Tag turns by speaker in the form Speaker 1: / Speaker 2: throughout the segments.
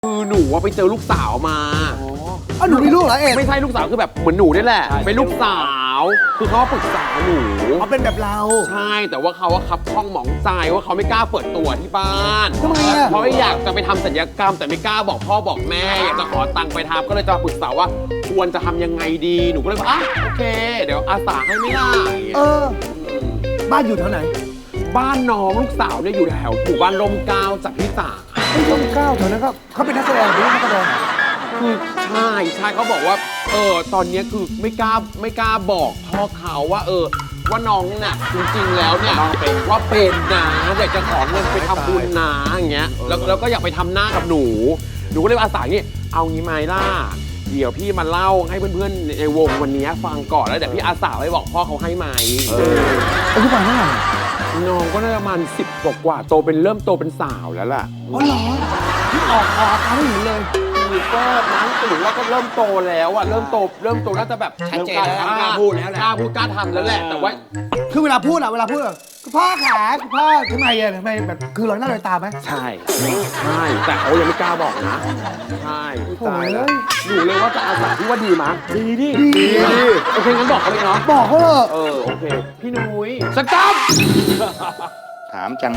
Speaker 1: คือหนูว่าไปเจอลูกสาวมา
Speaker 2: อ้าวหนูมีลูกเหรอเอก
Speaker 1: ไม่ใช่ลูกสาวคือแบบเหมือนหนูนี่แหละเป็นลูกสาว คือเขาปรึกษาหนู
Speaker 2: เขาเป็นแบบเรา
Speaker 1: ใช่แต่ว่าเขาว่าคับข้องหมองใจว่าเขาไม่กล้าเปิดตัวที่บ้าน
Speaker 2: ทำไมอ่ะ
Speaker 1: เพราะอยากจะไปทำศัลยกรรมแต่ไม่กล้าบอกพ่อบอกแม่อยากจะขอตังค์ไปทำก็เลยจะปรึกษาว่าควรจะทำยังไงดีหนูก็เลยบอกโอเค เดี๋ยวอาสาให้ไม่ล่ะ
Speaker 2: บ้านอยู่แถวไหน
Speaker 1: บ้านน้องลูกสาวเนี่ยอยู่แถวหมู่บ้านร่มเกล้าจากพี่สา
Speaker 2: ร่มเกล้าแถวนั้นก็เขาเป็นนักแสดงหรือนักแสดง
Speaker 1: คือใช่เขาบอกว่าตอนเนี้ยคือไม่กล้าบอกพ่อเขาว่าว่าน้องน่ะจริงๆแล้วเนี่ยว่าเป็นนะอยากจะขอเงินไปทำบุญนะอย่างเงี้ยแล้วก็อยากไปทำหน้ากับหนูก็เลยอาสาเนี่ยเอางี้ไหมล่ะเดี๋ยวพี่มาเล่าให้เพื่อนๆในวงวันนี้ฟังก่อนแล้วเดี๋ยวพี่อาสาไปบอกพ่อเขาให้ไหม
Speaker 2: อายุประมาณเท่าไหร่
Speaker 1: น้องก็น่าจะประมาณ10 กว่าเริ่มโตเป็นสาวแล้วล่ะ
Speaker 2: อ๋อเหรอที่ออกอาการไม่เห็นเลย
Speaker 1: ก็นั้นถือว่าก็เริ่มโตแล้วอะเริ่มโตน่าจะแบบชัดเจนแล้วกล้าพูดแล้วแหละกล้าพูดกล้าทำแล้วแหละแต่ว่า
Speaker 2: คือเวลาพูดแบบคุณพ่อขาคุณพ่อทำไมแบบคือลอยหน้าลอยตาไหม
Speaker 1: ใช่แต่เขายังไม่กล้าบอกนะใช่ตายแล้วหนูเลยว่าจะอาสาที่ว่าดีมั้ยดีโอเคงั้นบอกเขาเลยเนาะ
Speaker 2: บอกเขาเถอะ
Speaker 1: โอเคพี่นุ้ยสต๊อป
Speaker 3: ถามจัง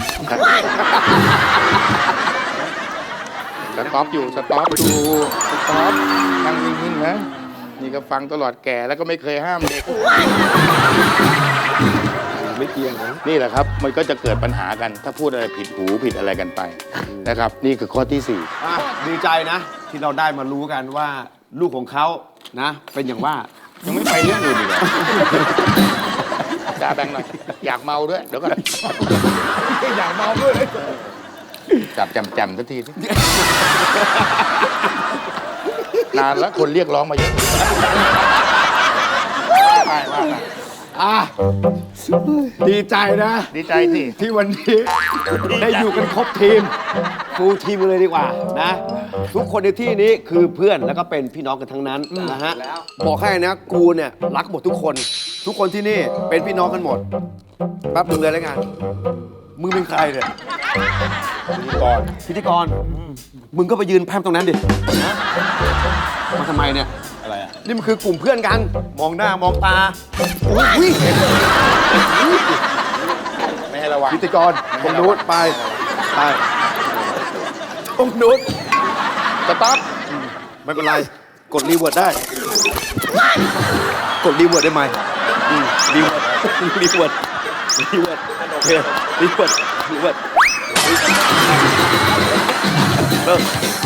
Speaker 3: สต็อปอยู่นั่งนิ่งๆนะนี่ก็ฟังตลอดแก่แล้วก็ไม่เคยห้ามเด็กไม่เกี่ยงนี่แหละครับมันก็จะเกิดปัญหากันถ้าพูดอะไรผิดหูผิดอะไรกันไปนะครับนี่คือข้อที่
Speaker 4: ดีใจนะ ที่เราได้มารู้กันว่าลูกของเขานะ เป็นอย่างว่า
Speaker 3: 4ยังไม่ไปเรื่องอื่นอีกเหรอจ่าแบงค์หน่อยอยากเมาด้วยเดี๋ยวก่อน
Speaker 2: อยากเมาด้วย
Speaker 3: จับจำสักทีสินานแล้วคนเรียกร้องมาเยอะไป
Speaker 4: ดีใจนะ
Speaker 3: ดีใจสิ
Speaker 4: ที่วันนี้ได้อยู่กันครบทีมฟูลทีมเลยดีกว่านะ ทุกคนในที่นี้คือเพื่อนแล้วก็เป็นพี่น้องกันทั้งนั้นนะฮะบอกให้นะกูเนี่ยรักหมดทุกคนที่นี่เป็นพี่น้องกันหมดแป๊บนึงเลยแล้วกันมึงเป็นใครเนี่ยพิธีกรมึงก็ไปยืนแพร่มตรงนั้นดิมาทำไมเนี่ยอะไรอ่ะนี่มันคือกลุ่มเพื่อนกันมองหน้ามองตาอุ้ย
Speaker 3: ไม่ให้ระวัง
Speaker 4: พิธีกรตรงนู้นไปตรงนู้น
Speaker 3: สต๊อป
Speaker 4: ไม่เป็นไร กดรีเวิร์ดได้ กดรีเวิร์ดได้ไหมรีเวิร์ดโอเครีเวิร์ดเริ่ม